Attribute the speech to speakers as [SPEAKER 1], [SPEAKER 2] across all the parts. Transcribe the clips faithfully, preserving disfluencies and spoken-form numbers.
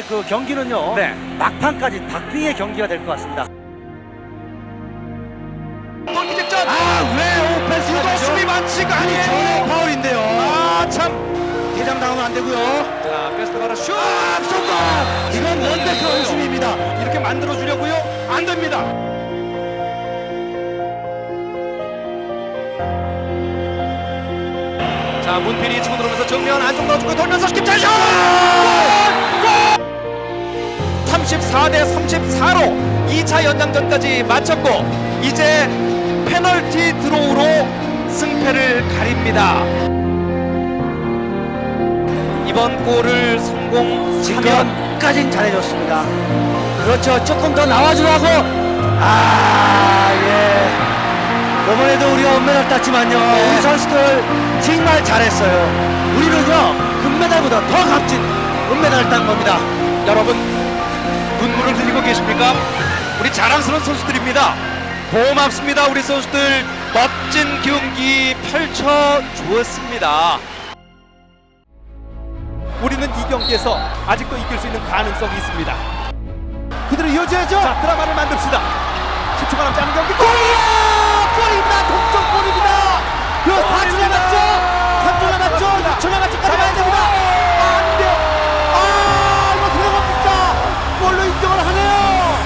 [SPEAKER 1] 그 경기는요.
[SPEAKER 2] 네.
[SPEAKER 1] 막판까지 박빙의 경기가 될 것 같습니다.
[SPEAKER 2] 골키직전.
[SPEAKER 3] 아, 왜 오펜스
[SPEAKER 2] 이거 수비 반칙 아니에요?
[SPEAKER 3] 파울인데요.
[SPEAKER 2] 아, 참.
[SPEAKER 3] 대장 당하면 안 되고요.
[SPEAKER 2] 자, 베스트 바로 슛!
[SPEAKER 3] 아, 쏜다. 이건 원백형 수비입니다.
[SPEAKER 2] 이렇게 만들어 주려고요? 안 됩니다. 자, 문필이 치고 들어오면서 정면 안쪽 넣어주고 돌면서 김찬 슛! 골! 삼십사 대 삼십사로 이 차 연장전까지 마쳤고 이제 페널티 드로우로 승패를 가립니다. 이번 골을 성공하면
[SPEAKER 1] 지금까진 잘해줬습니다. 그렇죠. 조금 더 나와주라고. 아, 예. 이번에도 우리가 은메달 땄지만요.
[SPEAKER 2] 네.
[SPEAKER 1] 우리 선수들 정말 잘했어요. 우리는요, 금메달보다 더 값진 은메달을 딴 겁니다.
[SPEAKER 2] 여러분 눈물을 흘리고 계십니까? 우리 자랑스러운 선수들입니다. 고맙습니다. 우리 선수들 멋진 경기 펼쳐 주었습니다.
[SPEAKER 4] 우리는 이 경기에서 아직도 이길 수 있는 가능성이 있습니다. 그대로 이어져야죠. 자, 드라마를 만듭시다. 십 초가 남지 않은 경기. 골이야! 골입니다. 동점골입니다. 그 사 초 남았죠. 삼 초 남았죠. 육 초 남았죠까지 가야 됩니다. 안 돼요. 아, 이거 들어갑니까? 골로 인정을 하네요.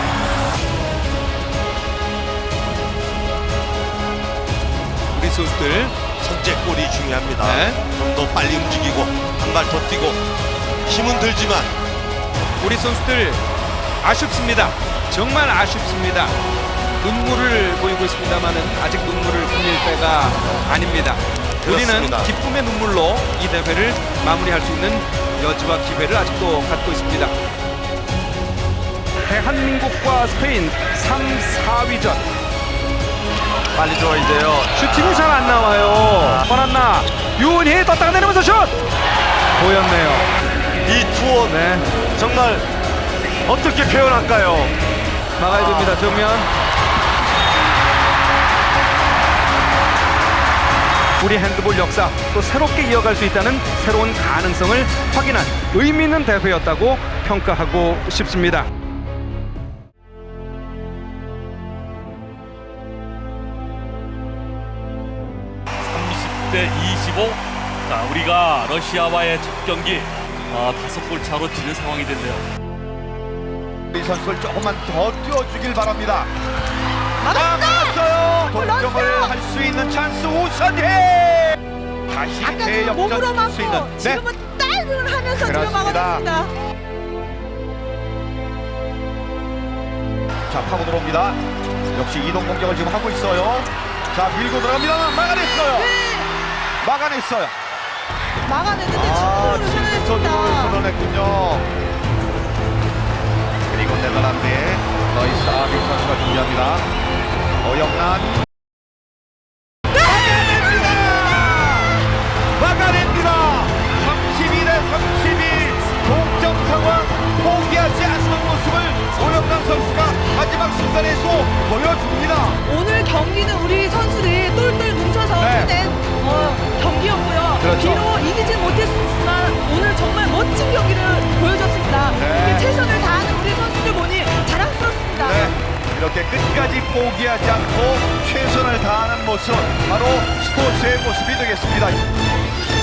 [SPEAKER 2] 우리 선수들
[SPEAKER 3] 선제골이 중요합니다.
[SPEAKER 2] 네.
[SPEAKER 3] 좀 더 빨리 움직이고 한 발 더 뛰고 힘은 들지만
[SPEAKER 2] 우리 선수들 아쉽습니다. 정말 아쉽습니다. 눈물을 보이고 있습니다만은 아직 눈물을 흘릴 때가 아닙니다.
[SPEAKER 3] 그렇습니다.
[SPEAKER 2] 우리는 기쁨의 눈물로 이 대회를 마무리할 수 있는 여지와 기회를 아직도 갖고 있습니다. 대한민국과 스페인 삼, 사 위전 빨리 들어와야 돼요. 슈팅이 잘 안 나와요. 권한나 유은희 떴다가 내리면서 슛! 보였네요.
[SPEAKER 3] 이 투어
[SPEAKER 2] 네.
[SPEAKER 3] 정말 어떻게 표현할까요?
[SPEAKER 2] 막아야 됩니다. 정면. 우리 핸드볼 역사 또 새롭게 이어갈 수 있다는 새로운 가능성을 확인한 의미 있는 대회였다고 평가하고 싶습니다.
[SPEAKER 5] 삼십 대 이십오. 자, 우리가 러시아와의 첫 경기 아, 다섯 골 차로 지는 상황이 됐네요.
[SPEAKER 4] 우리 선수를 조금만 더 뛰어주길 바랍니다.
[SPEAKER 6] 막았어요!
[SPEAKER 4] 동점을 할 수 있는 찬스 우선해. 다시
[SPEAKER 6] 아까는 몸으로
[SPEAKER 4] 대역전
[SPEAKER 6] 막고
[SPEAKER 4] 수 있는. 네.
[SPEAKER 6] 지금은 딸을 하면서 지금
[SPEAKER 4] 그렇습니다.
[SPEAKER 6] 막아냈습니다.
[SPEAKER 4] 자, 파고 들어옵니다. 역시 이동 공격을 지금 하고 있어요. 자, 밀고 들어갑니다. 막아냈어요.
[SPEAKER 6] 네,
[SPEAKER 4] 막아냈어요.
[SPEAKER 6] 막아냈는데
[SPEAKER 4] 아,
[SPEAKER 6] 친구를
[SPEAKER 4] 진선으로
[SPEAKER 6] 살려냈습니다.
[SPEAKER 4] 선언했군요. 그리고 네덜란드의 너이스 아빅 선수가 준비합니다. 어영란 막아냅니다. 막아냅니다. 삼십이 대 삼십이 동점 상황. 포기하지 않는 모습을 오영란 선수가 마지막 순간에 또 보여줍니다.
[SPEAKER 6] 오늘 경기는 우리 선수들이 똘똘 뭉쳐서
[SPEAKER 4] 네.
[SPEAKER 6] 해낸 어, 경기였고요.
[SPEAKER 4] 그렇죠.
[SPEAKER 6] 비록 이기진 못했지만 오늘 정말 멋진 경기를 보여줬습니다.
[SPEAKER 4] 네.
[SPEAKER 6] 이렇게 최선을 다하는 우리 선수들 보니 자랑스럽습니다.
[SPEAKER 4] 네, 이렇게 끝까지 포기하지 않고 최선을 다하는 모습, 바로 스포츠의 모습이 되겠습니다.